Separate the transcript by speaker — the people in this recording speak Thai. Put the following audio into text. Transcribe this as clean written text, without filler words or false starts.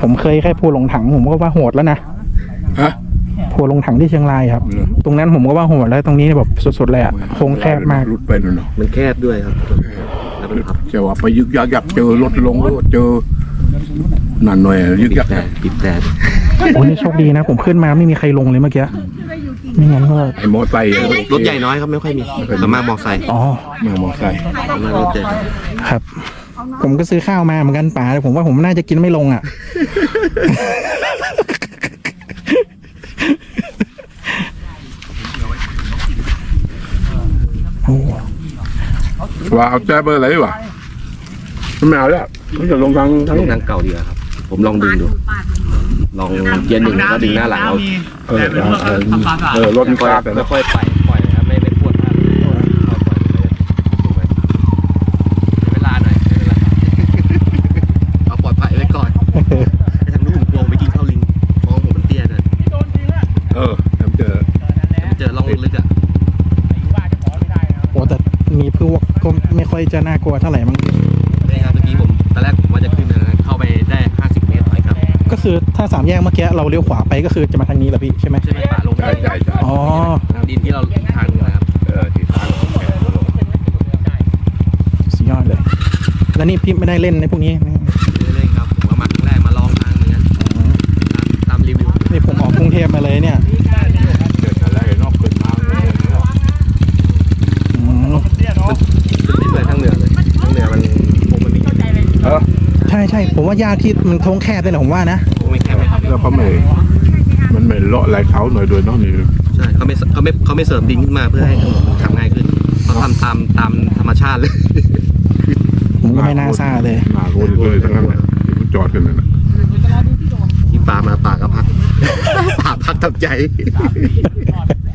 Speaker 1: ผมเคยแค่ภูหลงถังผมก็ว่าโหดแล้วนะ
Speaker 2: ฮะ
Speaker 1: ภูหลงถังที่เชียงรายครับ ตรงนั้นผมก็ว่าโหดแล้วตรงนี้แบบสุดๆเลยอ่ะโค้งแคบมาก
Speaker 2: รุดไปนั่นเนาะ
Speaker 3: มันแคบด้วยครับแล้วมันพับ
Speaker 2: จะว่าไปยึกยักยักเจอรถลงรถเจอนั่นหน่อยยึกยัก
Speaker 3: แต่ปิดแต่
Speaker 1: โอ้นี่โชคดีนะ ผมขึ้นมาไม่มีใครลงเลยเมื่อกี้ไม่งั้นก็
Speaker 2: ไอ้มอไซค์
Speaker 3: รถใหญ่น้อยครับไม่ค่อยมีส่วนมากมอไซค์
Speaker 1: อ๋อ
Speaker 2: มอไซค์
Speaker 3: ส่วนมากรถใหญ่
Speaker 1: ครับ ผมก็ซื้อข้าวมาเหมือนกันป๋าแต่ผมว่าผมน่าจะกินไม่ลงอ่ะ โอ้
Speaker 2: ว่าเอาแจ๊บเบอร์อะไรวะไม่เอาแล้วมันจะลงทาง
Speaker 3: ลงทางเก่าดีกว่าครับ ผมลองดึงดู ลองเกียร์หนึ่งแล้วดึงหน้าหลังเอา
Speaker 2: รถมันกลาแต่
Speaker 3: ค่อยๆปล่อยนะครับไม่ปวดมากเวลาหน่อยเอาปลอดภัยไว้ก่อนไอ้ทางนู้นผมกลัวไปกินข้าวลิงมองผมมันเตี้ยเลย
Speaker 2: เจอ
Speaker 3: เจอร่องลึกอ่ะ
Speaker 1: โหแต่มีพวกก็ไม่ค่อยจะน่ากลัวเท่าไหร่มั้ง
Speaker 3: นี่ครับเมื่อกี้ผมตอนแรกผมว่าจะขึ้นนะเข้าไปได้50 เมตรไปครับ
Speaker 1: ก็คือถ้าสามแยกเมื่อกี้เราเลี้ยวขวาไปก็คือจะมาทางนี้แหละพี่ใช่ไหม
Speaker 3: ใช่ไหมป่าลง
Speaker 2: ใช่
Speaker 1: อ๋อ
Speaker 3: ทางดินที่เราทางนะครับ
Speaker 2: ที่ทาง
Speaker 1: สุดยอดเลย แล้วนี่พี่ไม่ได้เล่นในพวกนี้
Speaker 3: เรื่อยๆครับผมก็มาครั้งแรกมาลองทางเหมือนกันตามรีวิว
Speaker 1: นี่ผมออกกรุงเทพมาเลยเนี่ย
Speaker 2: เดินอะไรนอกขึ้นมา
Speaker 1: อืม
Speaker 3: ขึ้นไปทางเหนือเลยทางเหนือมันคงมันมี
Speaker 1: ใช่ใช่ผมว่ายากที่มันโค้งแคบเลยแหละผมว่านะ
Speaker 3: คงไม่แคบไหมครับ
Speaker 2: แล้วเขาไม่มันไม่เลาะไหลเขาหน่อยโดยน้องนี่
Speaker 3: ใช่เขาไม่เสริมดินขึ้นมาเพื่อให้ถนนมันทำง่ายขึ้นเขาทำตามธรรมชาติเลย
Speaker 1: ผมก็ไม่น่าซ่าเลย
Speaker 2: หน้าโรนเลยทั้งนั้นที่มันจอดกันนั่นนะ
Speaker 3: ที่ป่ามาป่าก็พัก ป่าพักทำใจ